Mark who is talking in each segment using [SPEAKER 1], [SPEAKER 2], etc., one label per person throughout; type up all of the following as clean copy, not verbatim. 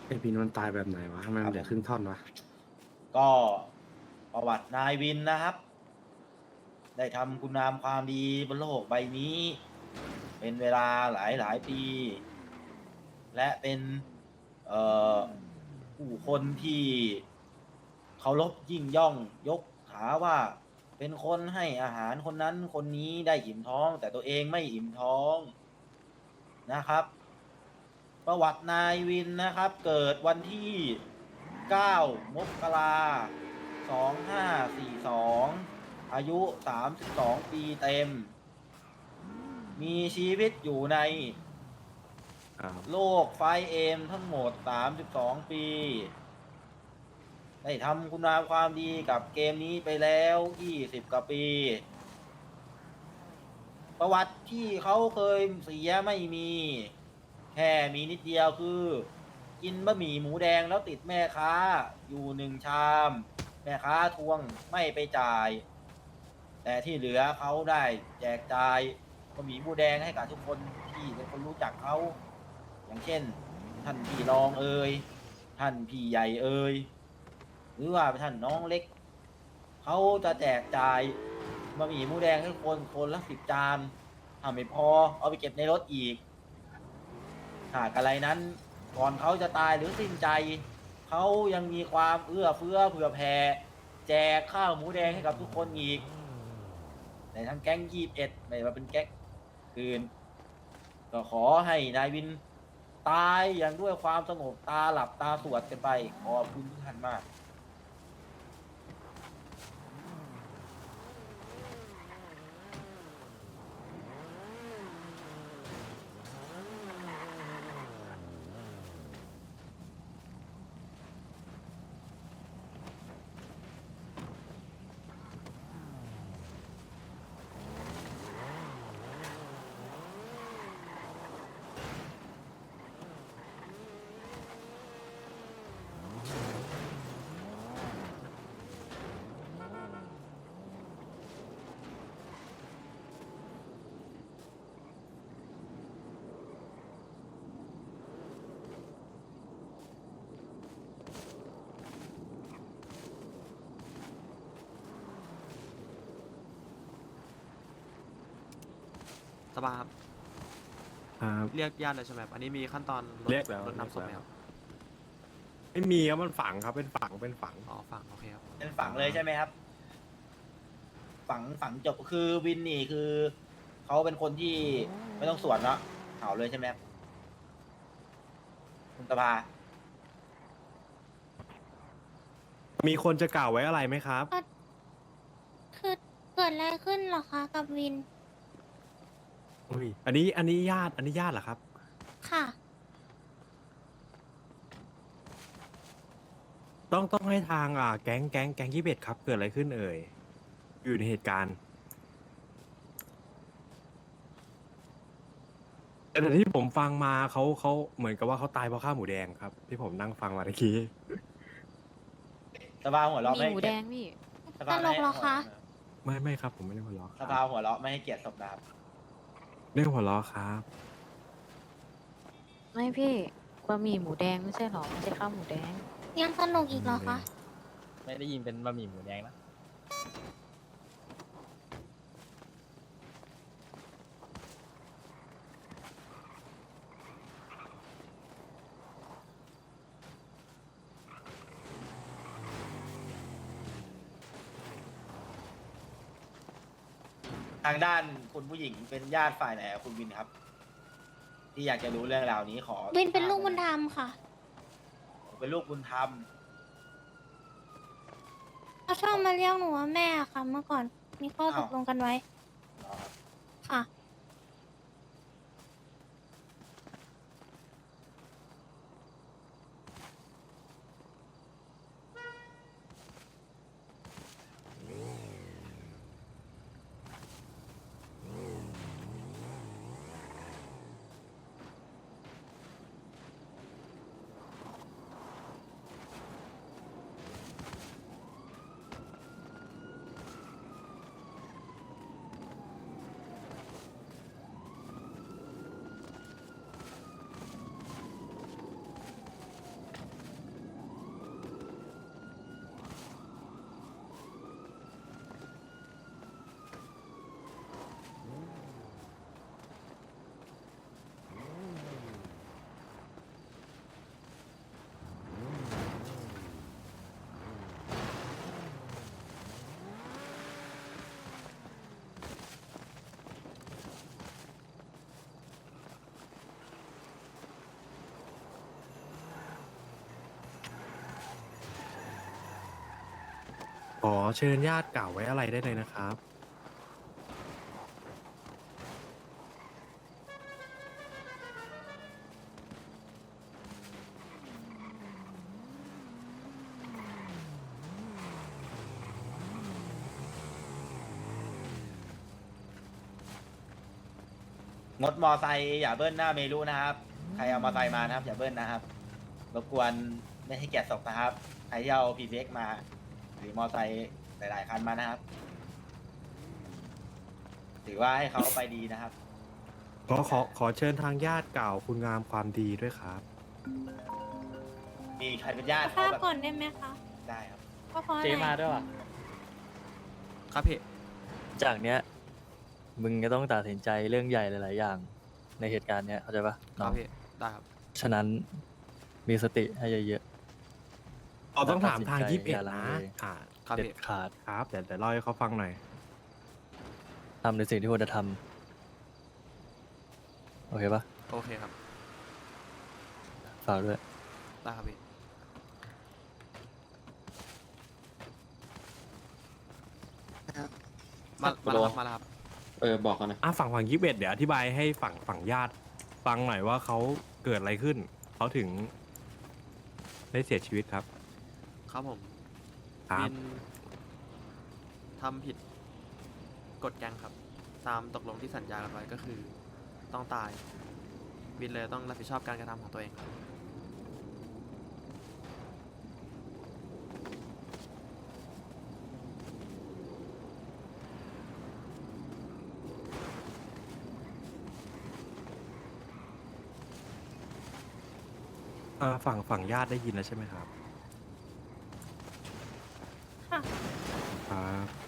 [SPEAKER 1] ไอพีนมันตายแบบไหนวะทำไม
[SPEAKER 2] ค
[SPEAKER 1] มันเหลือครึ่ง
[SPEAKER 2] รับผม
[SPEAKER 1] ท่อนวะ
[SPEAKER 2] ก็ประวัตินายวินนะครับ ได้ทำคุณงามความดีบนโลกใบนี้ เป็นเวลาหลายปี และเป็นเอ่อผู้คนที่เคารพยิ่งย่องยกขาว่าเป็นคนให้อาหารคนนั้นคนนี้ได้อิ่มท้องแต่ตัวเองไม่อิ่มท้องนะครับประวัตินายวินนะครับเกิดวันที่9มกรา2542อายุ32ปีเต็มมีชีวิตอยู่ใน
[SPEAKER 1] ครับ
[SPEAKER 2] โลกไฟเอ็มทั้งหมด32ปีได้ทำคุณงามความดีกับเกมนี้ไปแล้ว20กว่าปีประวัติที่เขาเคยเสียไม่มีแค่มีนิดเดียวคือกินบะหมี่หมูแดงแล้วติดแม่ค้าอยู่1 ชามแม่ค้าทวงไม่ไปจ่ายแต่ที่เหลือเขาได้แจกจ่ายบะหมี่หมูแดงให้กับทุกคนที่เป็นคนรู้จักเขาอย่างเช่นท่านพี่รองเอ่ยท่านพี่ใหญ่เอ่ยหรือว่าท่านน้องเล็กเขาจะแจกจ่ายบะหมี่หมูแดงให้คนละ10 จานถ้าไม่พอเอาไปเก็บในรถอีกหากอะไรนั้นก่อนเขาจะตายหรือสิ้นใจเขายังมีความเอื้อเฟื้อเผื่อแผ่แจกข้าวหมูแดงให้กับทุกคนอีกในทั้งแก๊ง21ไม่ว่าเป็นแก๊งอื่นก็ขอให้นายวินตายอย่างด้วยความสงบตาหลับตาสวดกันไปขอบคุณทุกท่านมาก
[SPEAKER 3] สภาครับ
[SPEAKER 1] ครับ
[SPEAKER 3] เรียกญาติเลยใช่ไหมครับอันนี้มีขั้นตอนรถ
[SPEAKER 1] เรียกแล้ว
[SPEAKER 3] รถ
[SPEAKER 1] เรียกแล้ว
[SPEAKER 3] นำศพไหมครับ
[SPEAKER 1] ไม่มีครับมันฝังครับเป็นฝัง
[SPEAKER 3] อ๋อฝั่งโอเคครับ
[SPEAKER 2] เป็นฝังเลยใช่ไหมครับฝังจบคือวินนี่คือเขาเป็นคนที่ไม่ต้องสวนเนาะเผาเลยใช่ไหมครับคุณตาภา
[SPEAKER 1] มีคนจะกล่าวไว้อะไรไหมครับ
[SPEAKER 4] ก็คือเกิดอะไรขึ้นเหรอคะกับวิน
[SPEAKER 1] อุ้ยอันนี้ญาติเหรอครับ
[SPEAKER 4] ค่ะ
[SPEAKER 1] ต้องให้ทางแก๊ง21ครับเกิดอะไรขึ้นเอ่ยอยู่ในเหตุการณ์แต่ที่ผมฟังมาเขาเหมือนกับว่าเขาตายเพราะข้าวหมูแดงครับที่ผมนั่งฟังมาเมื่อกี้
[SPEAKER 2] สภาหัวเราะ
[SPEAKER 5] มีหมู
[SPEAKER 2] ไม่ให้เกียรติ
[SPEAKER 5] แดงพี่
[SPEAKER 2] สภาไม่ให้
[SPEAKER 4] ตลกเหรอคะ
[SPEAKER 1] ไม่ครับผมไม่ได้หัวเราะค
[SPEAKER 2] ส
[SPEAKER 1] รับ
[SPEAKER 2] ภาหัวเราะไม่ให้เกียรติศพนะครับ
[SPEAKER 1] ไม่ได้หัวเราะครับ
[SPEAKER 5] ไม่พี่บะหมี่หมูแดงไม่ใช่หรอไม่ใช่ข้าวหมูแดง
[SPEAKER 4] ยังตลกอีกเหรอคะ
[SPEAKER 6] ไม่ได้ยินเป็นบะหมี่หมูแดงนะ
[SPEAKER 2] ทางด้านคุณผู้หญิงเป็นญาติฝ่ายไหนครับคุณวินครับที่อยากจะรู้เรื่องราวนี้ขอ
[SPEAKER 4] วินเป็นลูกบุญธรรมค่ะ
[SPEAKER 2] ผมเป็นลูกบุญธรรม
[SPEAKER 4] เขาชอบมาเรียกหนูว่าแม่ค่ะเมื่อก่อนมีข้อตกลงกันไว้
[SPEAKER 2] อ๋อ
[SPEAKER 4] ค่ะ
[SPEAKER 1] อเชิญญาติเก่าไว้อะไรได้เลยนะครับ
[SPEAKER 2] งดมอไซค์อย่าเบิ้ลหน้าเมรุนะครับ ใครเอามอไซค์มานะครับอย่าเบิ้ลนะครับ รบกวนไม่ให้แกะศพนะครับ ใครที่เอา PCX มา หรือมอไซค์หลายๆคันมานะครับ ถือว่าให้เขาไปดีนะครับ
[SPEAKER 1] ขอเชิญทางญาติเก่าคุณงามความดีด้วยครับ
[SPEAKER 2] มีใครเป็นญาติ
[SPEAKER 4] ทรา
[SPEAKER 2] เขา
[SPEAKER 4] บ
[SPEAKER 2] แบบ
[SPEAKER 4] ก่อนได้ไหมคะ
[SPEAKER 2] ได้ครับ
[SPEAKER 4] ว่าเพราะอะ
[SPEAKER 6] เจ
[SPEAKER 4] ไร
[SPEAKER 6] มาด้วยว่ะ
[SPEAKER 3] ครับพี่
[SPEAKER 7] จากเนี้ยมึงจะต้องตัดสินใจเรื่องใหญ่หลายๆอย่าง ในเหตุการณ์เนี้ยเข้าใจปะ
[SPEAKER 3] ค
[SPEAKER 7] น้
[SPEAKER 3] รั
[SPEAKER 7] อบ ง
[SPEAKER 3] พี่ ได้ครับ
[SPEAKER 7] ฉะนั้นมีสติให้เยอะ
[SPEAKER 1] เราต้องถามทาง
[SPEAKER 7] ตัดสินใจ
[SPEAKER 1] 21
[SPEAKER 7] อย่าลัง
[SPEAKER 1] นะ
[SPEAKER 7] เล
[SPEAKER 3] ครับ
[SPEAKER 7] ๆเด็ด
[SPEAKER 3] พี่
[SPEAKER 7] ขาด
[SPEAKER 1] ครับเดี๋ยวเล่าให้เขาฟังหน่อย
[SPEAKER 7] ทำในสิ่งที่ควรจะทำโอเคปะ
[SPEAKER 3] โอเคครับ
[SPEAKER 7] ฝากด้วย
[SPEAKER 3] ได้ครับพี่ มาแล้วครับมาแล้วครับ
[SPEAKER 8] บอกกันนะ
[SPEAKER 1] ฝั่ง21เดี๋ยวอธิบายให้ฝั่งญาติฟังหน่อยว่าเขาเกิดอะไรขึ้น เขาถึงได้เสียชีวิตครับ
[SPEAKER 3] ครับผม
[SPEAKER 1] ครับ
[SPEAKER 3] วินทำผิดกฎแกงครับ ตามตกลงที่สัญญากันไว้ก็คือต้องตาย วินเลยต้องรับผิดชอบการกระทำของตัวเองครับ
[SPEAKER 1] ฝั่งญาติได้ยินแล้วใช่ไหมครับ
[SPEAKER 4] ค่ะ
[SPEAKER 1] ครับ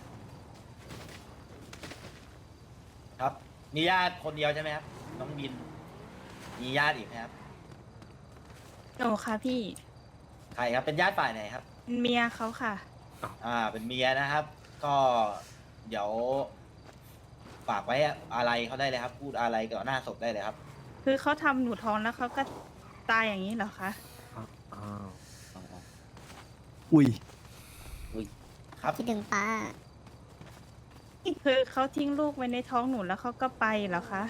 [SPEAKER 2] ครับ มีญาติคนเดียวใช่ไหมครับ น้องบิน มีญาติอีกไหมครับ
[SPEAKER 9] หนูค่ะพี่
[SPEAKER 2] ใครครับ เป็นญาติฝ่ายไหนครับ
[SPEAKER 9] เมียเขาค่ะ
[SPEAKER 2] เป็นเมียนะครับ ก็เดี๋ยวฝากไว้อะไรเขาได้เลยครับ พูดอะไรก่อนหน้าศพได้เลยครับ
[SPEAKER 9] คือเขาทำหนูท้องแล้วเขาก็ตายอย่างนี้เหรอคะ
[SPEAKER 1] อ้าว
[SPEAKER 7] อุ้ย
[SPEAKER 2] ครับ
[SPEAKER 4] คิดถึงป้า
[SPEAKER 9] คือเขาทิ้งลูกไว้ในท้องหนูแล้วเขาก็ไปเหรอคะ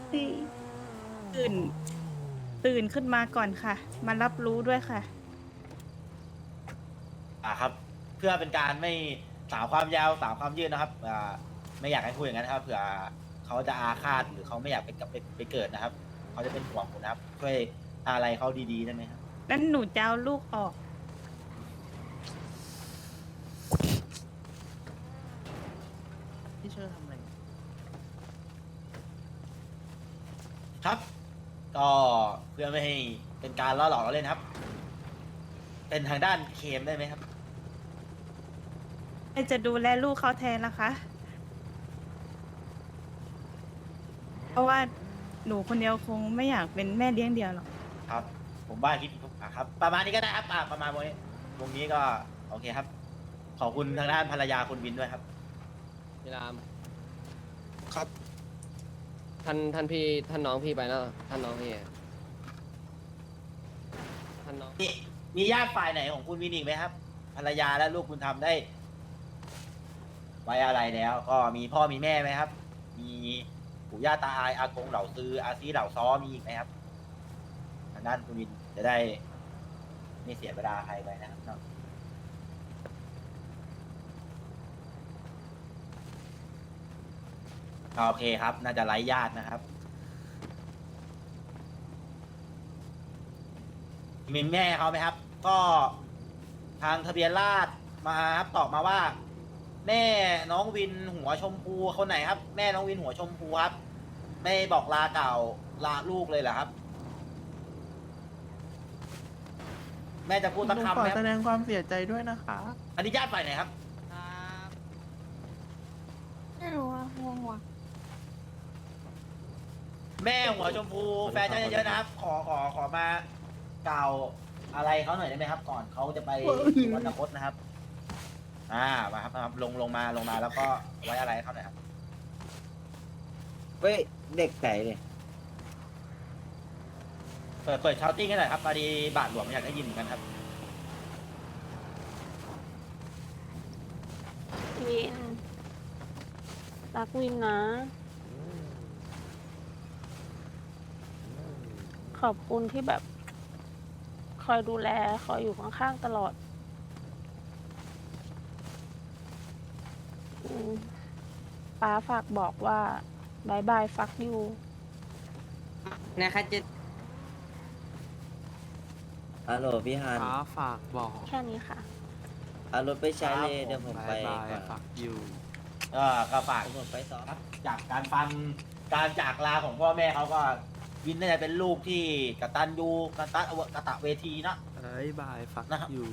[SPEAKER 9] ตื่นขึ้นมาก่อนค่ะ มารับรู้ด้วยค่ะ
[SPEAKER 2] ครับ เพื่อเป็นการไม่สาวความยาวสาวความยืดนะครับไม่อยากให้พูดอย่างนั้นนะครับ เผื่อเขาจะอาฆาตหรือเขาไม่อยากไปเกิดนะครับ เขาจะเป็นห่วงผมนะครับ ช่วยอะไรเขาดีๆได้ไหมครับ
[SPEAKER 9] นั้นหนูจะเอาลูกออก
[SPEAKER 6] พี่เชิญทำอะไร
[SPEAKER 2] ครับ ก็เพื่อไม่ให้เป็นการล่อหลอกเราเล่นครับ เป็นทางด้านเคมได้ไหมครับ
[SPEAKER 9] ใครจะดูแลลูกเขาแทนล่ะคะ เพราะว่าหนูคนเดียวคงไม่อยากเป็นแม่เลี้ยงเดียวหรอก
[SPEAKER 2] ครับ ผมว่าคิดครับ ประมาณนี้ก็ได้ครับประมาณวงนี้ก็โอเคครับ ขอบคุณทางด้านภรรยาคุณวินด้วยครับ
[SPEAKER 6] พี่ราม
[SPEAKER 8] ครับ
[SPEAKER 6] ท่านพี่ท่านน้องพี่ไปแล้วท่านน้องพี่ท่านน้อง
[SPEAKER 2] มีญาติฝ่ายไหนของคุณวินอีกไหมครับ ภรรยาและลูกคุณทำได้ ไว้อะไรแล้ว ก็มีพ่อมีแม่ไหมครับ มีปู่ย่าตาอายอากงเหล่าซื้ออาซีเหล่าซ้อมีอีกไหมครับทางด้านคุณวินจะได้ไม่เสียเวลาใครไปนะครับเนาะโอเคครับ น่าจะไร้ญาตินะครับ มีแม่เขาไหมครับ ก็ทางทะเบียนราษฎร์มาครับตอบมาว่า แม่น้องวินหัวชมพูคนไหนครับ แม่น้องวินหัวชมพูครับ ไม่บอกลาเก่าลาลูกเลยเหรอครับ แม่จะพูดสักคำไหมครับ
[SPEAKER 10] แสดงความเสียใจด้วยนะคะ
[SPEAKER 2] อันนี้ญาติฝ่ายไหนครับ
[SPEAKER 4] ไม่รู้ว่างงว่ะ
[SPEAKER 2] แม่หัวชมพูแฟนเยอะๆนะครับ ขอมากล่าวอะไรเขาหน่อยได้ไหมครับ ก่อนเขาจะไปสุวรรณคตนะครับ มาครับลงมาแล้วก็ไว้อะไรให้เขาหน่อยครับ
[SPEAKER 8] เว้ย เด็กไหนเนี่ย
[SPEAKER 2] เปิดชาวติ้งให้หน่อยครับพอดีบาทหลวงอยากได้ยินเหมือนกันครับ
[SPEAKER 5] รักวินนะ ขอบคุณที่แบบ คอยดูแล คอยอยู่ข้างๆตลอดป้าฝากบอกว่าบายบายฟักยู
[SPEAKER 8] นะคะจะฮัลโหลพี่ฮัน
[SPEAKER 3] ฟ้าฝากบอก
[SPEAKER 5] แค่นี้ค่ะ
[SPEAKER 8] เอารถไปใช้เลยเดี๋ยวผม
[SPEAKER 3] บา
[SPEAKER 8] ไป
[SPEAKER 3] ยบาย
[SPEAKER 8] ก่อน
[SPEAKER 3] ฝักอยู่
[SPEAKER 2] ก็ฝาก
[SPEAKER 8] เดี๋ยวผมไปซ้อม
[SPEAKER 2] ครับจากการฟังการจากลาของพ่อแม่เขาก็วินน่าจะเป็นลูกที่กตัญญูกตะเวทีเนอะ
[SPEAKER 3] บายบายฝัก
[SPEAKER 2] นะครับ
[SPEAKER 3] อยู่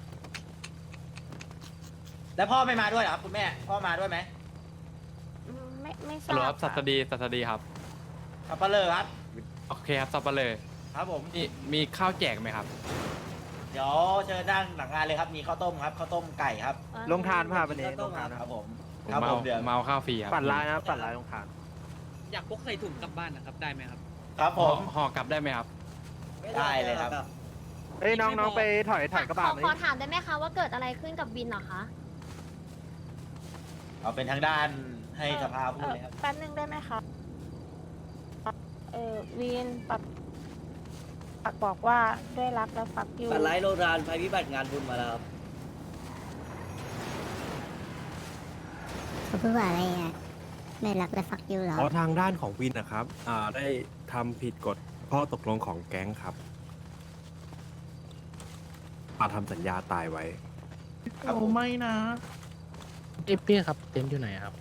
[SPEAKER 2] แล้วพ่อไม่มาด้วยเหรอครับคุณแม่พ่อมาด้วยไหม
[SPEAKER 5] ไม่ท
[SPEAKER 10] ฮัลโหล
[SPEAKER 5] รา
[SPEAKER 10] ครับ บสัตดีสัตดีครับ
[SPEAKER 2] สับปะเลอครับ
[SPEAKER 10] โอเคครับสับปะเลย
[SPEAKER 2] ครับผม
[SPEAKER 10] มีข้าวแจกไหมครับ
[SPEAKER 2] เดี๋ยวเชิญนั่งหลังงานเลยครับมีข้าวต้มครับข้าวต้มไก่ครับ
[SPEAKER 5] ลงทาน
[SPEAKER 8] วันนี้ต้องมา
[SPEAKER 2] ครับผม
[SPEAKER 10] ผม
[SPEAKER 2] ครับผมเดี๋ยว
[SPEAKER 10] เมาข้าวฟรีครับ
[SPEAKER 1] ปั่นร้ายนะปั่นร้ายลงทาน
[SPEAKER 6] อยากพกใส่ถุงกลับบ้านนะครับ ได้ไหมครับ
[SPEAKER 2] ครับผม
[SPEAKER 10] ห่อกลับได้ไหมครับ
[SPEAKER 2] ได้เลยครับ
[SPEAKER 1] เฮ้ยน้องไปถอยกระบะ
[SPEAKER 4] ขอถามได้ไหมคะว่าเกิดอะไรขึ้นกับวินเหรอคะ
[SPEAKER 2] เอาเป็นทางด้านให้สภาพูดเลยครับ
[SPEAKER 5] แป๊บนึงได้ไหมคะวีนปักบอกว่าด้วยรักและฟักยู
[SPEAKER 8] ปัดไลท์โรงทานภัยพิบัติงานบุญมาแล้วครับ
[SPEAKER 4] เขาพูดว่าอะไรอ่ะไม่รักและฟักยูเหรอ
[SPEAKER 1] เพราะทางด้านของวินนะครับได้ทำผิดกฎข้อตกลงของแก๊งครับมาทำสัญญาตายไว้
[SPEAKER 2] ครับผม
[SPEAKER 9] ไม่นะ
[SPEAKER 6] พี่ครับเต็นท์อยู่ไหนครับ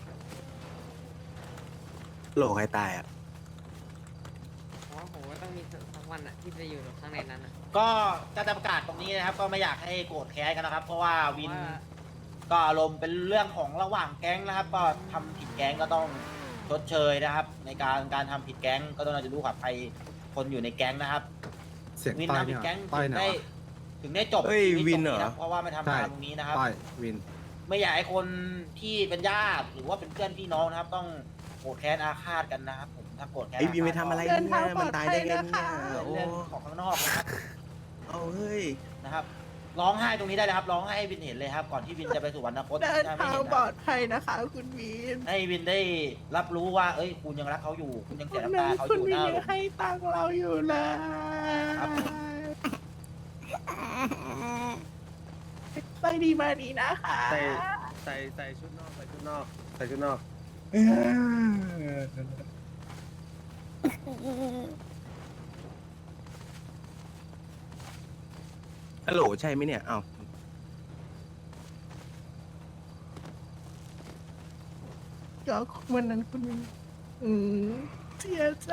[SPEAKER 1] โหลใครตายอ่ะ
[SPEAKER 6] อ๋อผมว่าต้องมีสักวันอะที่จะอยู่ข้างในนั้นอะ
[SPEAKER 2] ก็จะประกาศตรงนี้นะครับ ก็ไม่อยากให้โกรธแค้นกันนะครับ เพราะว่าวิน
[SPEAKER 6] ว่า
[SPEAKER 2] ก็อารมณ์เป็นเรื่องของระหว่างแก๊งนะครับ ก็ทำผิดแก๊งก็ต้องชดเชยนะครับ ในการทำผิดแก๊งก็ต้องเราจะรู้ขับใครคนอยู่ในแก๊งนะครับวินทำผิดแก๊งถึงได้จบ
[SPEAKER 1] เอ้ย
[SPEAKER 2] ชีต
[SPEAKER 1] วินเหรอ
[SPEAKER 2] ตงะเพราะว่าไม่ทำงานตรงนี้นะครับ
[SPEAKER 1] วิน
[SPEAKER 2] ไม่อยากให้คนที่เป็นญาติหรือว่าเป็นเพื่อนพี่น้องนะครับ ต้องโกรธแค้นอาฆาตกันนะครับผมถ้าโกรธแค้น
[SPEAKER 1] ไอ้วินไปทำอะไร
[SPEAKER 9] เดินทาง
[SPEAKER 1] เนี่ยมันตายได้ไงเนี่ย
[SPEAKER 2] เรื่องของข้างนอกนะครับ
[SPEAKER 1] เอาเฮ้ย
[SPEAKER 2] นะครับร้องไห้ตรงนี้ได้เลยครับร้องไห้ให้วินเห็นเลยครับ ก่อนที่วินจะไปสู่วรรณคต
[SPEAKER 9] เดิน
[SPEAKER 2] ถ้าไม่
[SPEAKER 9] ทาง
[SPEAKER 2] เห็น
[SPEAKER 9] ปลอ
[SPEAKER 2] นะ
[SPEAKER 9] ดภัยนะคะ คุณวีน
[SPEAKER 2] ให้วินได้รับรู้ว่า เอ้ยคุณยังรักเขาอยู่ คุณยัง
[SPEAKER 9] คุ
[SPEAKER 2] เสีย
[SPEAKER 9] ณ
[SPEAKER 2] น้ำตาเขาอ
[SPEAKER 9] คุณ
[SPEAKER 2] ยู่
[SPEAKER 9] วีน
[SPEAKER 2] นะ
[SPEAKER 9] ยังให้ตังค์เราอยู่เลย
[SPEAKER 2] ครับ
[SPEAKER 9] ไปดีมาดีนะคะ
[SPEAKER 1] ใส่ชุดนอกใส่ชุดนอกใส่ชุดนอกฮัลโหลใช่ไหมเนี่ยอ้าว
[SPEAKER 9] ก็วันนั้นคุณวีนเสียใจ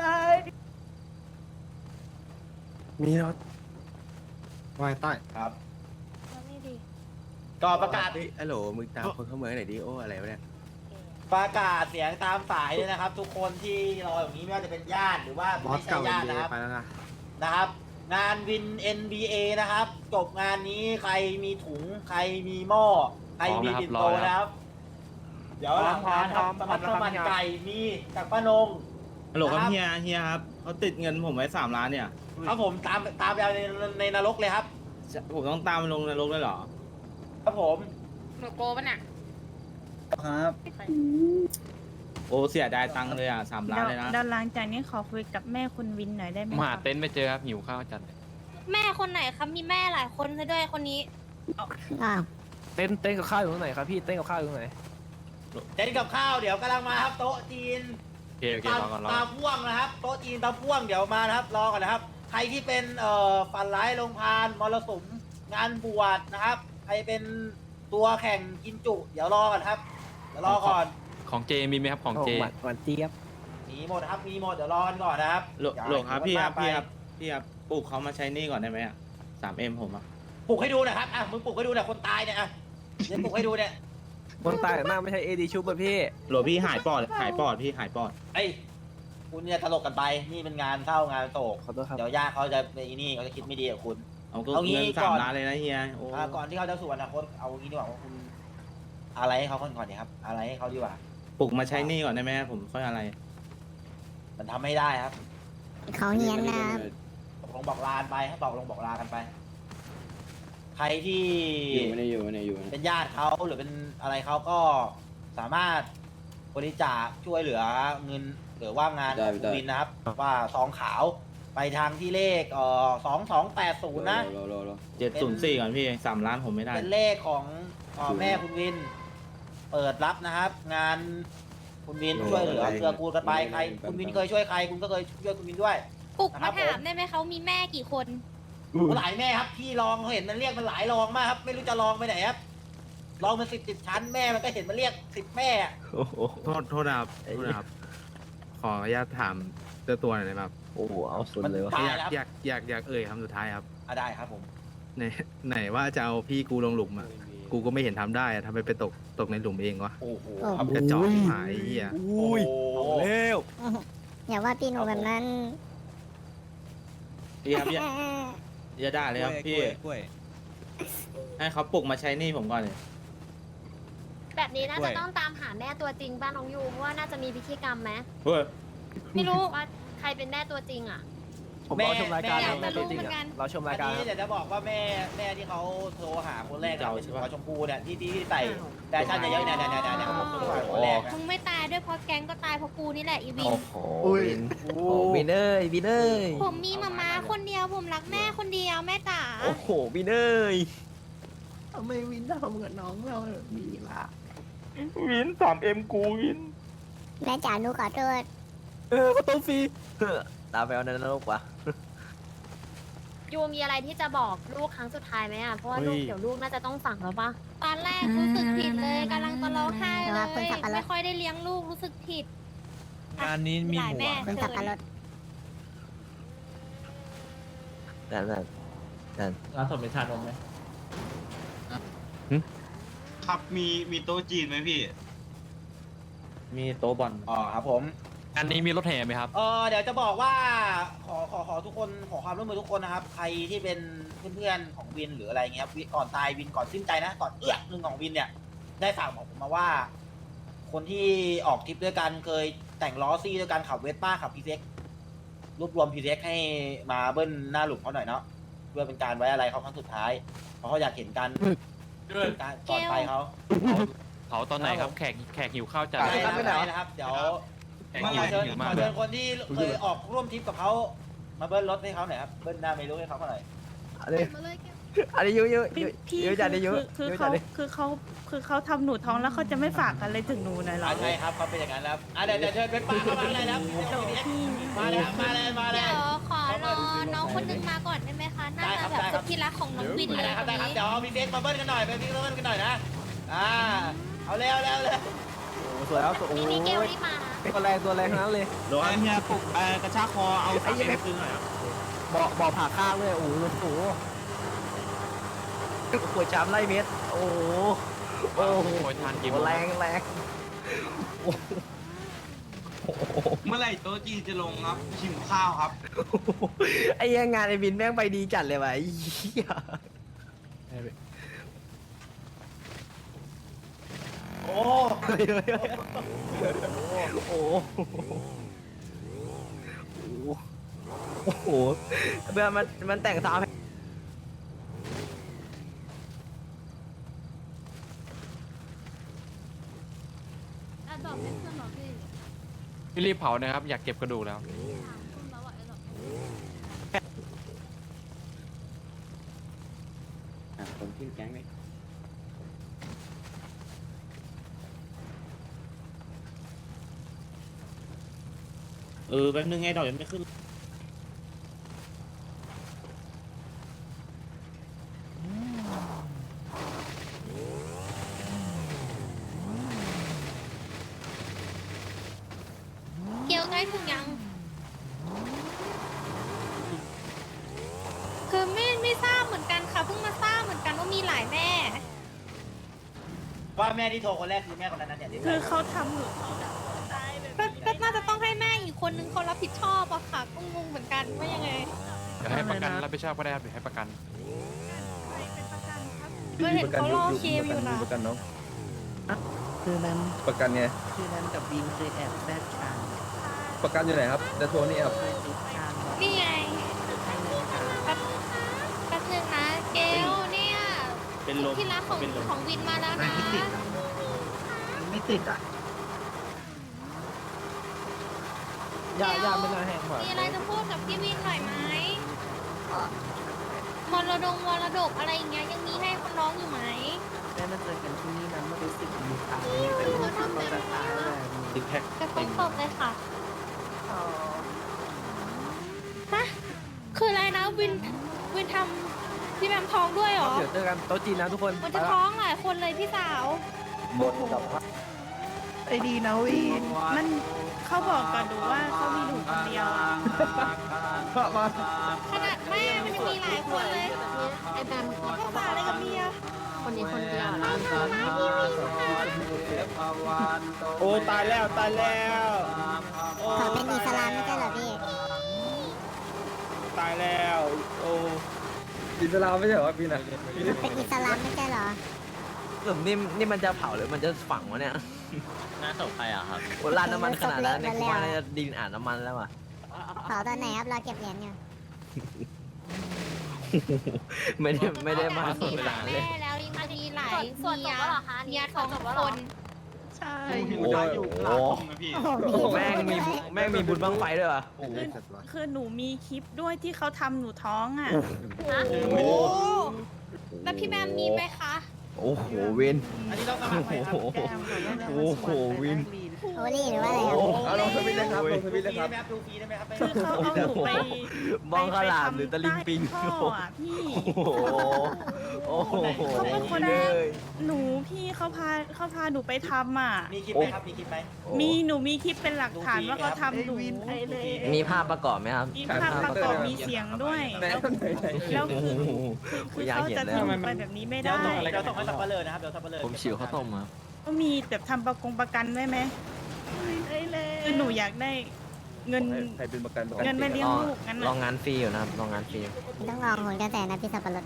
[SPEAKER 1] มีรถ
[SPEAKER 10] วายใต้
[SPEAKER 2] ครับ
[SPEAKER 5] แล้วนี่ดี
[SPEAKER 2] ก็ประกาศ
[SPEAKER 1] เฮ้ยฮัลโหลมึงตามคนเข้าเมืองหน่อยดิโอ้อะไรวะเนี่ย
[SPEAKER 2] ประกาศเสียงตามสายเลยนะครับ ทุกคนที่รออย่างนี้ไม่ว่าจะเป็นญาติหรือว่าไม่ใช่ญาตินะครับนะครับ งานวิน NBA นะครับ จบงานนี้ใครมีถุงใครมีหม้อใครมีปิ่นโตนะครับ เดี๋ยวหลังงานครับสมัครข้าวมันไก่มีจากป้านง
[SPEAKER 11] ฮัลโหลครับ
[SPEAKER 2] นะ
[SPEAKER 11] เฮียครับเขาติดเงินผมไว้3 ล้านเนี่ย
[SPEAKER 2] ครับผมตามไปเอาในนรกเลยครับ
[SPEAKER 11] ผมต้องตามมันลงนรกเลยเหรอ
[SPEAKER 2] ครับผม
[SPEAKER 5] หนูโกปะเนี่ย
[SPEAKER 11] ครับ โอ้เสียดายตังค์เลยอ่ะ3 ล้านเลยนะ
[SPEAKER 9] เดี๋ยวหลังจากนี้ขอคุยกับแม่คุณวินหน่อยได้ไหม
[SPEAKER 10] มาหา
[SPEAKER 9] คะ
[SPEAKER 10] เต็นท์ไม่เจอครับหิวข้าวจัดเลย
[SPEAKER 4] แม่คนไหนครับมีแม่หลายคนซะด้วยคนนี้อ้าว
[SPEAKER 6] เต้นกับข้าวอยู่ตรงไหนครับพี่เต้นกับข้าวอยู่ตรงไหน
[SPEAKER 2] เต้นกับข้าวเดี๋ยวกำลังมาครับโต๊ะจีน
[SPEAKER 10] โอเครอก่อนรอ
[SPEAKER 2] ตาพ่วงนะครับโต๊ะจีนตาพ่วงเดี๋ยวมานะครับรอกันนะครับ ใครที่เป็นฝันร้ายลงพานมรสุมงานบวชนะครับ ใครเป็นตัวแข่งกินจุ เดี๋ยวรอกันครับเดี๋ยวรอก่อน
[SPEAKER 10] ของเจมีไหมครับของเจ
[SPEAKER 6] หวานเจี๊ยบ
[SPEAKER 2] มีหมดนะครับมีหมดเดี๋ยวรอกันก่อนนะครับ
[SPEAKER 11] หลงครับพี่ครับ
[SPEAKER 2] ไป
[SPEAKER 11] พี่ครับปลูกเขามาใช้หนี่ก่อนได้ไหมอ่ะ3M ผมอ่ะ
[SPEAKER 2] ปลุกให้ดูหนะครับอ่ะมึงปลุกให้ดูหน่อยคนตายเนี่ยอ่ะเดี๋ยวปลุกให้ดูเนี่ย
[SPEAKER 6] คนตายหน้าไม่ใช่เอดีชุบป่ะพี่
[SPEAKER 11] หลวพี่หายปอดพี่หายปอด
[SPEAKER 2] ไอ้ยคุณเนี่ยตลกกันไปนี่เป็นงานเข้างานโศก
[SPEAKER 6] ขอโทษครับ
[SPEAKER 2] เดี๋ยวญาติเขาจะไปนี่เขาจะคิดไม่ดีกับคุณ
[SPEAKER 11] เอาก็
[SPEAKER 2] เอางี้
[SPEAKER 11] เงิน
[SPEAKER 2] ก่อน
[SPEAKER 11] 3 ล้านเลยนะเฮียโอ้
[SPEAKER 2] ก่อนที่เขาจะสู่อนาคตเอางี้ดีกว่าว่าคุณอะไรให้เขาก่อนดีครับ อะไรให้เขาดีกว่า
[SPEAKER 11] ปลูกมาใช้หนี่ก่อนได้ไหมผมค่อยอะไร
[SPEAKER 2] มันทำไม่ได้ครับ
[SPEAKER 4] เขาเนียนนะ
[SPEAKER 2] บอกลงบอกลากันไปให้บอกลงบอกลากันไป ใครที่
[SPEAKER 11] อยู่
[SPEAKER 2] เป็นญาติเขาหรือเป็นอะไรเขาก็สามารถคุบริจาคช่วยเหลือเงินหรือว่างานของคุณวินนะครับ ว่าซองขาวไปทางที่เลข2280นะ
[SPEAKER 11] 704ก่อนพี่3 ล้านผมไม่ได้
[SPEAKER 2] เป็นเลขของแม่คุณวิน เปิดรับนะครับ งานคุณวินช่วยเหลือเกื้อกูลกันไปใครคุณวินเคยช่วยใครคุณก็เคยช่วยคุณวินด้วย
[SPEAKER 4] ปลุก
[SPEAKER 2] ครั
[SPEAKER 4] มา
[SPEAKER 2] บผม
[SPEAKER 4] ถามได้ไหมเขามีแม่กี่คน
[SPEAKER 2] หลายแม่ครับพี่รองเขาเห็นมันเรียกมันหลายรองมากครับ ไม่รู้จะรองไปไหนครับรองมัน10ชั้นแม่มันก็เห็นมันเรียก10แม่
[SPEAKER 7] โอ้โห
[SPEAKER 10] โทษนะครับขออนุญาตถามเจ้าตัวหน่อยได้ไหมครับ
[SPEAKER 7] โอ้โหเอาสุดเลยวะ
[SPEAKER 2] ได้
[SPEAKER 10] อยาก
[SPEAKER 2] ครับ
[SPEAKER 10] อยากเอ่ยคำสุดท้ายครับ
[SPEAKER 2] ได้ครับผม
[SPEAKER 10] ไหนว่าจะเอาพี่กูลงหลุมอ่ะ กูก็ไม่เห็นทำได้อะทำไมไปตกในหลุมเองวะ
[SPEAKER 2] โอ้โห
[SPEAKER 10] กระจอกที่หายไอ้เหี้ย
[SPEAKER 1] อุ้ยเอาแล้ว
[SPEAKER 4] อย่าว่าพี่หนูแบบนั้น
[SPEAKER 11] พี่ครับอย่าด่าเลยครับพี่ ให้เขาปลุกมาใช้หนี่ผมก่อนเลย
[SPEAKER 4] แบบนี้น่าจะต้องตามหาแม่ตัวจริงบ้านน้องยูเพราะว่าน่าจะมีพิธีกรรมไหม
[SPEAKER 11] เฮ้ย
[SPEAKER 4] ไม่รู้ว่าใครเป็นแม่ตัวจริงอ่ะ
[SPEAKER 1] ผมรอชมรายการ
[SPEAKER 2] แม่
[SPEAKER 1] นะแม่ตัวจริง
[SPEAKER 4] อยากจะรู้เหมือนกั
[SPEAKER 1] อะ
[SPEAKER 4] น
[SPEAKER 1] เราชม
[SPEAKER 2] อั
[SPEAKER 1] ราน ยการ
[SPEAKER 2] นี้เดี๋ยวจะบอกว่าแม่ที่เขาโทรหาคนแรกเนี่ยเป็นหัวชมพูเนี่ยที่ใส่แฟชั่นเยอะๆเนี่ยผมโทรหาคนแรกนะ
[SPEAKER 4] มึงไม่ตายด้วยเพราะแก๊งก็ตายเพราะกูนี่แหละอีวิน
[SPEAKER 7] โอ้โหวินโอ้โหวินเอ้ยวินเอ้ย
[SPEAKER 4] ผมมีมาม่าคนเดียวผมรักแม่คนเดียวแม่จ๋า
[SPEAKER 7] โอ้โหวินเอ้ย
[SPEAKER 9] ทำไมวินทำกับน้องเราแบบนี้ล่ะ
[SPEAKER 1] วิน 3M กูวิน
[SPEAKER 4] แม่จ๋าหนูขอโทษ
[SPEAKER 1] ก็ต้องฟรี
[SPEAKER 7] ตามไปเอาในนรกวะ
[SPEAKER 4] ยูมีอะไรที่จะบอกลูกครั้งสุดท้ายไหมอ่ะเพราะว่าลูก
[SPEAKER 1] เฮ้ย
[SPEAKER 4] เดี๋ยวลูกน่าจะต้องฝังแล้วปะตอนแรกรู้สึกผิดเลยกำลังจะร้องไห้เลยไม่ค่อยได้เลี้ยงลูกรู้สึกผิด
[SPEAKER 1] งานนี้มี
[SPEAKER 4] หลาย
[SPEAKER 1] หัว
[SPEAKER 4] แม่เชิญ
[SPEAKER 7] นั่น
[SPEAKER 11] ร้านสมเป็นชานมไหม
[SPEAKER 8] ครับมีโต๊ะจีนไหมพี่
[SPEAKER 11] มีโต๊ะบอล
[SPEAKER 2] อ๋อครับผม
[SPEAKER 10] อันนี้มีรถแห่ไหมครับ
[SPEAKER 2] เดี๋ยวจะบอกว่าขอทุกคนขอความร่วมมือทุกคนนะครับ ใครที่เป็นเพื่อนๆของวินหรืออะไรเงี้ยครับก่อนตายวินก่อนสิ้นใจนะก่อนหนึ่งของวินเนี่ย ได้ฝากบอกผมมาว่า คนที่ออกทริปด้วยกันเคยแต่งล้อซี่ด้วยกันขับเวสป้าขับพีเซ็กรวบรวมพีเซ็กให้มาเบิ้ลหน้าหลุมเขาหน่อยเนาะเพื่อเป็นการไว้อะไรเขาครั้งสุดท้ายเพราะเขาอยากเห็นกันการก่อนไปเขา
[SPEAKER 10] เผาตอนไหนครับ แขกหิวข้าวจัด
[SPEAKER 2] ได้นะครับเดี๋ยว
[SPEAKER 10] แขก
[SPEAKER 2] มา
[SPEAKER 10] หิว
[SPEAKER 2] เชิญ
[SPEAKER 10] หิว
[SPEAKER 2] ข
[SPEAKER 10] มา
[SPEAKER 2] อก เชิญคนที่เคยออกร่วมทริปกับเขามาเบิ้ลรถให้เขาหน่อยครับเบิ้ลหน้าเมลูให้เขาหน่อย
[SPEAKER 7] อันนี้ยุ
[SPEAKER 9] พี่
[SPEAKER 7] ยุจัดดิยุ
[SPEAKER 9] คือ
[SPEAKER 7] ยุ
[SPEAKER 9] เขา
[SPEAKER 7] จัดดิ
[SPEAKER 9] คือเขาทำหนูท้องแล้วเขาจะไม่ฝากอะไรถึงหนูหน่อยเหรอ
[SPEAKER 2] ใช่ครับเขาเป็นอย่างนั้นแล้วเดี๋ยวเชิญเป็นป้าเข้ามาเลยแล้วมาเลยครับมาเลย
[SPEAKER 4] เดี๋ยวขอรอน้องคนนึงมาก่อนได้ไหมคะน่าจะแบบสุดที่รักของน้องวินเลย
[SPEAKER 2] ได้ครับ
[SPEAKER 4] ค
[SPEAKER 2] ได้
[SPEAKER 4] น
[SPEAKER 2] ครับ
[SPEAKER 4] นี้
[SPEAKER 2] เดี๋ยวพี่เบสมาเบิ้ลกันหน่อยไปพี่เบิ้ลกันหน่อยนะเอาเร็ว
[SPEAKER 1] สวยแล้วโอ้
[SPEAKER 4] นี่
[SPEAKER 1] โห
[SPEAKER 4] มีเกลนี่มานะ
[SPEAKER 1] ตัวแรงทั้งนั้นเลย
[SPEAKER 8] โดนเฮียปลุกกระชากคอเอา3M คืนหน่อยครับ
[SPEAKER 1] บ่อผ่าข้างเลยโอ้โหโอ้โห
[SPEAKER 7] ขวดจามไล่เม็ดโอ้โห
[SPEAKER 10] โอ้โหทานกี่โมง
[SPEAKER 7] แรง
[SPEAKER 8] เมื่อไหร่โต๊ะจีนจะลงครับชิมข้าวครับ
[SPEAKER 7] ไอ้เหี้ยังงานไอ้บินแม่งไปดีจัดเลยวะไอ้เหี้ย
[SPEAKER 2] โอ้
[SPEAKER 7] โอ้โหเบื่อมันแต่งตาม
[SPEAKER 4] บอกให้เพื่อนบอกพี่
[SPEAKER 10] พี่รีบเผานะครับ อยากเก็บกระดูกแล้ว
[SPEAKER 8] คนขึ้นแก๊งเลยแป๊บนึงไงดอกยังไม่ขึ้น
[SPEAKER 4] เกลใกล้ถึงยัง คือไม่ทราบเหมือนกันค่ะเพิ่งมาทราบเหมือนกันว่ามีหลายแม่
[SPEAKER 2] ว่าแม่ที่โทรคนแรกคือแม่คนนั้นนะเนี่ยที่
[SPEAKER 9] คือเขาทำหนูท้องตายแบบ
[SPEAKER 4] ก็น่าจะต้องให้แม่อีกคนนึงเขารับผิดชอบอะค่ะก็งงเหมือนกันว่ายังไง
[SPEAKER 10] เดี๋ยวให้ประกันรับผิดชอบก็ได้ครับเดี๋ยวให้ประกัน
[SPEAKER 9] เป็นประกันครับ
[SPEAKER 4] ก็เห็นเขารอเคมอยู่นะ
[SPEAKER 1] ประกันน้อง
[SPEAKER 7] คือนั้น
[SPEAKER 1] ประกันไง
[SPEAKER 7] คือนั้นกับบินเคยแอบแซดกัน
[SPEAKER 1] ประกันอยู่ไหนครับเดยวโทรนี่ครับ
[SPEAKER 7] เคยติดกัน
[SPEAKER 4] นี่ไงแป๊บนึงนะเกลเนี่ย
[SPEAKER 8] เป็นลม
[SPEAKER 4] ที่รักของวินมาแล้วนะ
[SPEAKER 8] ไม่ติดอ่ะ
[SPEAKER 4] ย่าไม่น่าแห้งมีอะไรจะพูดกับพี่วินหน่อยไหมมรดกอะไรอย่างเงี้ยยังมีให้คนน้องอยู่ไหม
[SPEAKER 6] ได้มาเจอกันที่นี่นะมันรู้สึกดีค่ะ
[SPEAKER 4] เขาทำเต็มที่มากแต่ต้องตบเลยค่ะฮะคืออะไรนะวินทำพี่แบมท้องด้วยเหรอ
[SPEAKER 6] เดี๋ยวเจอกันโต๊ะจีนนะทุกคน
[SPEAKER 4] มันจะท้องหลายคนเลยพี่สาว
[SPEAKER 9] ไอ้ดีนะวีนมันเขาบอกกับหนูว่าเขามีหนูคนเดียวอะ
[SPEAKER 4] ขนาดแม่มันยังมีหลายคนเลยไอ้แบมเขาฝากอะไรกับเมียคนนี้คนเดียวนะพี่วินค่ะ
[SPEAKER 11] โอ้ตายแล้วตายแล้ว
[SPEAKER 4] เขาเป็นอิสลามไม่ใช่เหรอพี่
[SPEAKER 11] ตายแล้วโอ้
[SPEAKER 6] อิสลามไม่ใช่เหรอพี่นะ
[SPEAKER 4] เป็นอิสลามไม่ใช่เหรอ
[SPEAKER 6] สมนี่มันจะเผาหรือมันจะฝังวะเนี่ย
[SPEAKER 7] น่าตกไปอ่ะครับ
[SPEAKER 6] โอ้ราดน้ำมันขนาดนั้นเนี่ยกูว่าน่าจะดินอ่านน้ำมันแล้วอ่ะ
[SPEAKER 4] เผาตอนไหนครับเราเก็บเหรียญอยู่
[SPEAKER 6] ไม่ได้มาสดเวลาเลย
[SPEAKER 4] แม่แล้วยังมีหลายเมียท้องคน
[SPEAKER 9] ใช่
[SPEAKER 8] โอ้อยู่หลังนะพี่
[SPEAKER 6] แม่งมีบุญบังไฟด้วยวะ
[SPEAKER 9] คือหนูมีคลิปด้วยที่เขาทำหนูท้องอ่ะ
[SPEAKER 4] โอ้แล้วพี่แบมมีไหมคะ
[SPEAKER 6] โอ้โหวิน
[SPEAKER 2] อันนี้ต้องสมัครไหมครับ
[SPEAKER 6] โอ้โหวิน
[SPEAKER 4] โอลี่หรือว่าอะไรครับ
[SPEAKER 11] เอาลงสวิตช์เลยครับลงสวิตช์เลยครับ
[SPEAKER 2] ดูฟรีได้ไหมครับ
[SPEAKER 9] คือเขาเอาหนูไป
[SPEAKER 6] มองข้าวหลามหรือตะลิงปิง
[SPEAKER 9] ไปทำท่ออ่ะพี่
[SPEAKER 6] โอ้โห
[SPEAKER 9] เขาเป็นคน
[SPEAKER 6] เลย
[SPEAKER 9] หนูพี่เขาพาหนูไปทำอ่ะ
[SPEAKER 2] มีคลิปไหมครับ มีคลิปไหม
[SPEAKER 9] หนูมีคลิปเป็นหลักฐานว่าเขาทำหนู
[SPEAKER 6] มีภาพประกอบไหมครับ
[SPEAKER 9] มีภาพประกอบมีเสียงด้วยแล้วคือเขาจะทำไปแบบนี้ไม่
[SPEAKER 2] เดี๋ย
[SPEAKER 9] ได้
[SPEAKER 2] วส่งให้สับปะเลอนะครับ เดี๋ยวสับปะเลอ
[SPEAKER 7] ผมฉิวข้าวต้มครับ
[SPEAKER 9] ก็มีแบบทำประกันไว้ไหมคือหนูอยากได้เงิน
[SPEAKER 11] ใครเป็นประกันบอก
[SPEAKER 9] เงินมาเลี้ยงลูกงั้น
[SPEAKER 6] ลอง
[SPEAKER 9] น่ะ
[SPEAKER 6] งานฟรีอยู่นะครับลองงานฟรี
[SPEAKER 4] ต้องลองหนกระแสนะพี่สับปะรด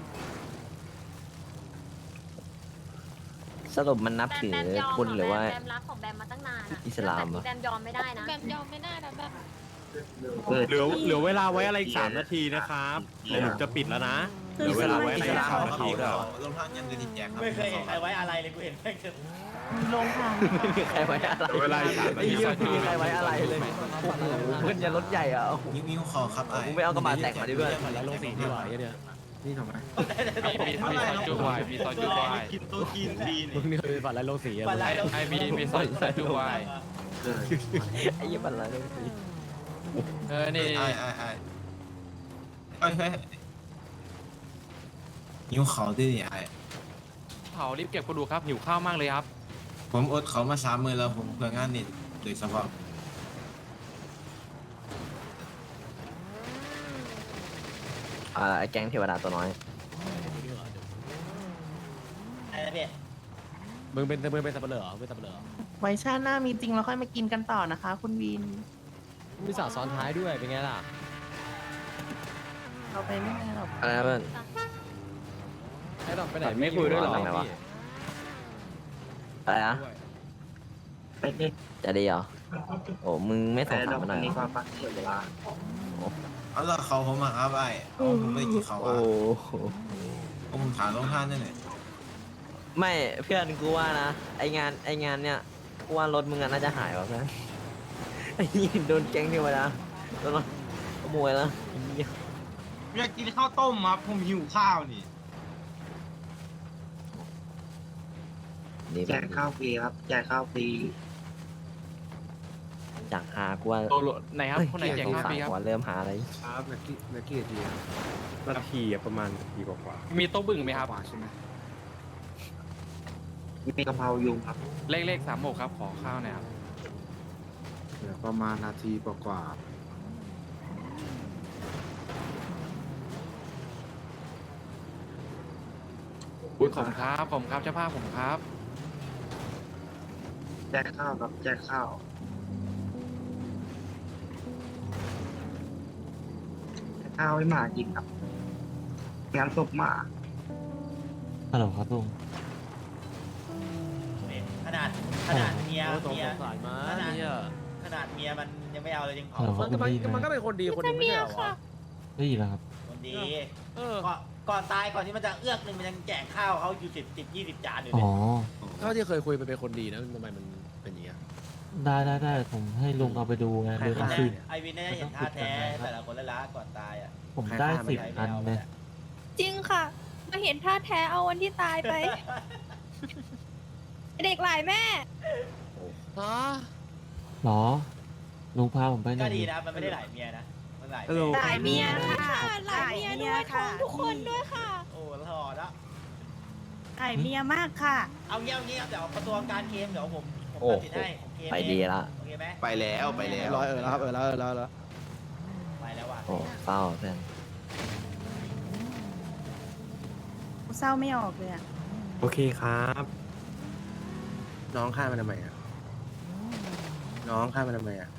[SPEAKER 6] สรุปมันนับถือคุณหรือว่า
[SPEAKER 4] แบมรักของแบมมาตั้งนานอะ
[SPEAKER 6] อิสลามเหรอ
[SPEAKER 4] แบมยอมไม่ได้นะแบมยอมไม่ได้นะแบบ
[SPEAKER 1] เหลือเวลาไว้อะไรอีก3 นาทีนะครับเดี๋ยวผมจะปิดแล้วนะเหลือเวลาไว้อะไรอีก3 นาทีก็
[SPEAKER 2] ไม่เคยเห็นใครไว้อะไรเลย กูเห็นแค่คือ
[SPEAKER 9] ลงค่ะ
[SPEAKER 6] ไม่มีใครไว้อะไร
[SPEAKER 1] เวลาอีก3 นา
[SPEAKER 6] ไอ้
[SPEAKER 1] ที
[SPEAKER 6] เหี้ยไม่มีใครไว้อะไรเลยโอ้โหเพื่อนยันรถใหญ่อ่ะโอ้โห
[SPEAKER 11] นิ้วคอครับ
[SPEAKER 6] มึงไม่เอากระบะแต่งมาดิเพื่อน
[SPEAKER 7] แล้วลงสีที่ไหวเนี่ย
[SPEAKER 11] นี่ทำไม
[SPEAKER 8] มีซอยจุ๊วายมีซอยจุ๊วายกินโต๊ะจีนฟรี
[SPEAKER 7] มึงนี่เคยฝันแล้วลงสีอะ
[SPEAKER 2] ปันไรเรา
[SPEAKER 8] มีซอยจุ๊วาย
[SPEAKER 6] ไอ้เหี้ยบันไรเลย
[SPEAKER 8] นี่
[SPEAKER 11] นิ้วเขาด้วยไอ้
[SPEAKER 8] เผารีบเก็บกระดูกครับหิวข้าวมากเลยครับ
[SPEAKER 11] ผมอดเขามา3 มื้อแล้วผมเพื่องานนี่โดยเฉพาะ
[SPEAKER 6] ไอ้แก๊งเทวดาตัวน้อย
[SPEAKER 2] อะไรนะพี่
[SPEAKER 7] มึงเป็นสับปะเหร่อเป็นสับปะเหร่อ
[SPEAKER 9] ไว้ชาติหน้ามีจริงเราค่อยมากินกันต่อนะคะ คุณวิน
[SPEAKER 7] มีสาวซ้อนท้ายด้วยเป็นไงล่ะ
[SPEAKER 9] เราไปไม่ได้หรอก
[SPEAKER 6] อะไรนะเพื่อน
[SPEAKER 7] ไอ้ดอกไปไหน
[SPEAKER 6] ไม่คุยด้วยเหรออะไรวะ อะไรนะจะดีเหรอโอ้มึงไม่ส่งสารมาหน่อยเหรอ
[SPEAKER 11] เอาละเขาผมมาครับไอ้ผมไม่กินเขา
[SPEAKER 6] โอ้
[SPEAKER 11] อ่ะ
[SPEAKER 6] โห
[SPEAKER 11] ผมถามลงท่านนั่นแหละ
[SPEAKER 6] ไม่เพื่อนกูว่านะไองานเนี่ยกูว่ารถมึงอะน่าจะหายว่ะเพื่อนไอ้นี่โดนแก๊งเทวดาโดนขโมยแล้ว
[SPEAKER 8] อยากกินข้าวต้มครับผมหิวข้าวนี่
[SPEAKER 6] แจกข้าวฟรีครับแจกข้าวฟรีจากหากูว่า
[SPEAKER 8] ไหนครับคนไหนแจกข้าวฟรีครับ
[SPEAKER 6] ว่าเริ่มหาอะไร
[SPEAKER 10] ครับนักกี้ที
[SPEAKER 1] นาทีอะประมาณนาทีกว่า
[SPEAKER 8] มีโต๊ะบึ่งไหมครับ
[SPEAKER 10] ใช่ไหม
[SPEAKER 11] มีกะเพรายุงครับ
[SPEAKER 8] เลข36ครับขอข้าวหน่อยครับ
[SPEAKER 10] เดี๋ยวประมาณนาทีกว่า
[SPEAKER 8] ผมครับเจ้าภาพผมครับ
[SPEAKER 11] แจกข้าวครับแจกข้าวข้าวให้หมากินครับงานศพหมา
[SPEAKER 7] ฮัลโหลครับลุง
[SPEAKER 2] ขนาดเมีย
[SPEAKER 7] โอ้สงสารมาเนี่ย
[SPEAKER 2] ขนาดเมียมันยังไม่เอาเลยยังเผา
[SPEAKER 7] มันก็เป็นคนดีคนหนึงไม่ใช่เหรอวะได้ยินแล้วครับ
[SPEAKER 2] คนดี
[SPEAKER 7] เออ
[SPEAKER 2] ก่อนตายก่อนที่มันจะเอื้อกหนึ่งมันยังแจกข้าวเขาอยู่10 20 จานอยู่เลย
[SPEAKER 7] เท่าที่เคยคุยไปเป็นคนดีนะทำไมมันเป็นอย่างเงี้ยได้ผมให้ลุงเอาไปดูไง
[SPEAKER 1] ใคร
[SPEAKER 7] ดู
[SPEAKER 1] ฆ่า
[SPEAKER 7] สิ
[SPEAKER 2] ไอวินน่าจะเห็นท่าแท้แต่ละคนละละก่อนตายอ่ะ
[SPEAKER 7] ผมได้ 10 อันเลย
[SPEAKER 4] จริงค่ะ มาเห็นท่าแท้เอาวันที่ตายไป เด็กหลายแม่
[SPEAKER 7] หรอ ลุงพาผมไปหน่
[SPEAKER 2] ก็
[SPEAKER 7] อย
[SPEAKER 2] ดี
[SPEAKER 7] ดิ
[SPEAKER 2] นะมันไม่ได้หลายเมียนะมันหลาย
[SPEAKER 1] ฮัลโหล
[SPEAKER 9] หลายเมียค่ะ
[SPEAKER 4] หลายเมียด้วยท้องทุกคนด้วยค่ะ
[SPEAKER 2] โอ้หล่อละ
[SPEAKER 9] หลายเมียมากค่ะ
[SPEAKER 2] เอาเงี้ยเดี๋ยวประตูการเกมเดี๋ยวผม
[SPEAKER 6] โอ้
[SPEAKER 2] ตัดสินให้ผมเกม
[SPEAKER 6] ไปดีละ
[SPEAKER 2] โอเคไหม
[SPEAKER 11] ไปแล้วไปแล้ว
[SPEAKER 10] ร้อยแล้วครับแล้ว
[SPEAKER 2] ไปแล้วว่ะ
[SPEAKER 6] โอ้เศร้าเพื่อน
[SPEAKER 9] เศร้าไม่ออกเลยอะ
[SPEAKER 1] โอเคครับ
[SPEAKER 10] น้องฆ่ามันทำไมอ่ะน้องฆ่ามันทำไมอ่ะ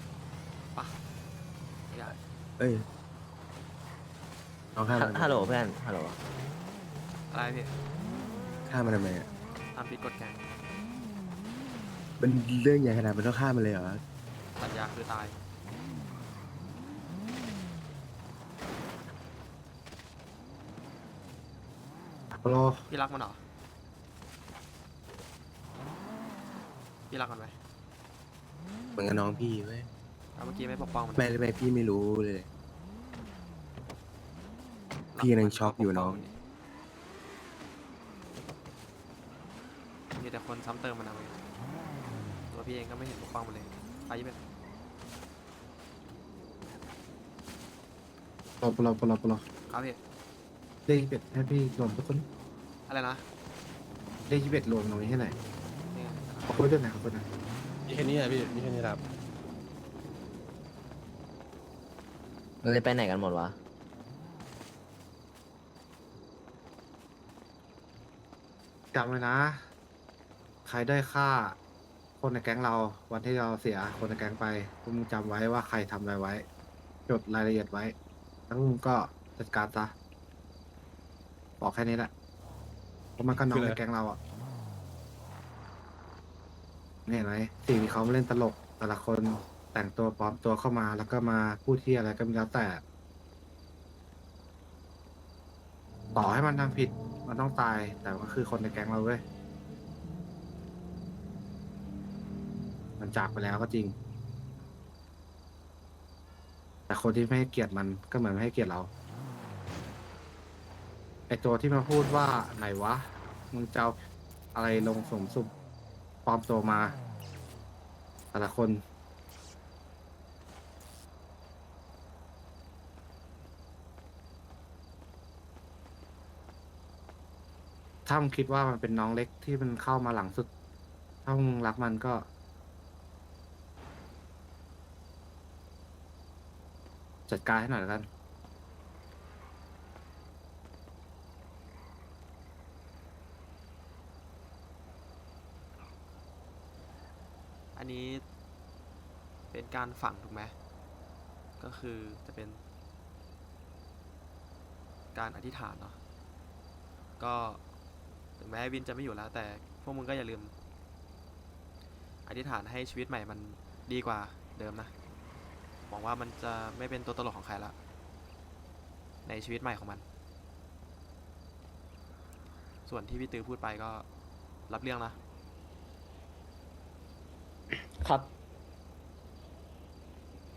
[SPEAKER 3] ไม่ได้
[SPEAKER 10] เอ้ยน้องฆ่ามัน
[SPEAKER 6] ฮัลโหลเพื่อนฮัลโหล
[SPEAKER 3] อะไรพี่
[SPEAKER 10] ฆ่ามันทำไมอ่ะ
[SPEAKER 3] ทำผิดกฎแกง
[SPEAKER 10] มันเรื่องใหญ่ขนาดมันต้องฆ่ามันเลยเหรอ
[SPEAKER 3] สัญญาคือตาย
[SPEAKER 10] รอ
[SPEAKER 3] พี่รักมันเหรอ พี่รักมันไหม
[SPEAKER 10] เหมือนกับน้องพี่เว้ย
[SPEAKER 3] แล้วเมื่อกี้ไม่ปกป้องมัน
[SPEAKER 10] ไม่พี่ไม่รู้เลย พี่ยังช็อกอยู่น้อง
[SPEAKER 3] มีแต่คนซ้ำเติมมันเอาเองตัวพี่เองก็ไม่เห็นปกป้องมันเลยไปยี่เป็น
[SPEAKER 10] ปลอ
[SPEAKER 3] ครับพี่
[SPEAKER 10] เลข21ให้พี่รวมทุกคน
[SPEAKER 3] อะไรนะ
[SPEAKER 10] เลข21รวมตรงนี้ให้หน่อย
[SPEAKER 3] นี่ไง
[SPEAKER 10] ขอบคุณด้วยนะขอบคุณนะ
[SPEAKER 1] มีแค่นี้อะพี่มีแค่นี้ครับ
[SPEAKER 6] มันเลยไปไหนกันหมดวะ
[SPEAKER 10] จำไว้นะ ใครได้ฆ่า คนในแก๊งเราวันที่เราเสียคนในแก๊งไปพวกมึงจำไว้ว่าใครทำอะไรไว้ จดรายละเอียดไว้แล้วมึงก็จัดการซะบอกแค่นี้แหละเพราะมันก็น้องในแก๊งเราอ่ะนี่เห็นไหมสิ่งที่เขามาเล่นตลก แต่ละคนแต่งตัวปลอมตัวเข้ามาแล้วก็มาพูดที่อะไรก็ไม่แล้วแต่ ต่อให้มันทำผิดมันต้องตาย แต่ก็คือคนในแก๊งเราเว้ย มันจากไปแล้วก็จริง แต่คนที่ไม่ให้เกียรติมันก็เหมือนไม่ให้เกียรติเรา ไอตัวที่มาพูดว่าไหนวะ มึงจะเอาอะไรลงสมสุบปลอมตัวมา แต่ละคน ถ้ามึงคิดว่ามันเป็นน้องเล็กที่มันเข้ามาหลังสุด ถ้ามึงรักมันก็ จัดการให้หน่อยแล้วกัน
[SPEAKER 3] อันนี้เป็นการฝังถูกไหมก็คือจะเป็นการอธิษฐานเนาะก็ถึงแม้วินจะไม่อยู่แล้ว แต่พวกมึงก็อย่าลืมอธิษฐานให้ชีวิตใหม่มันดีกว่าเดิมนะหวังว่ามันจะไม่เป็นตัวตลกของใครละในชีวิตใหม่ของมัน ส่วนที่พี่ตือพูดไปก็รับเรื่องนะ
[SPEAKER 6] ครับ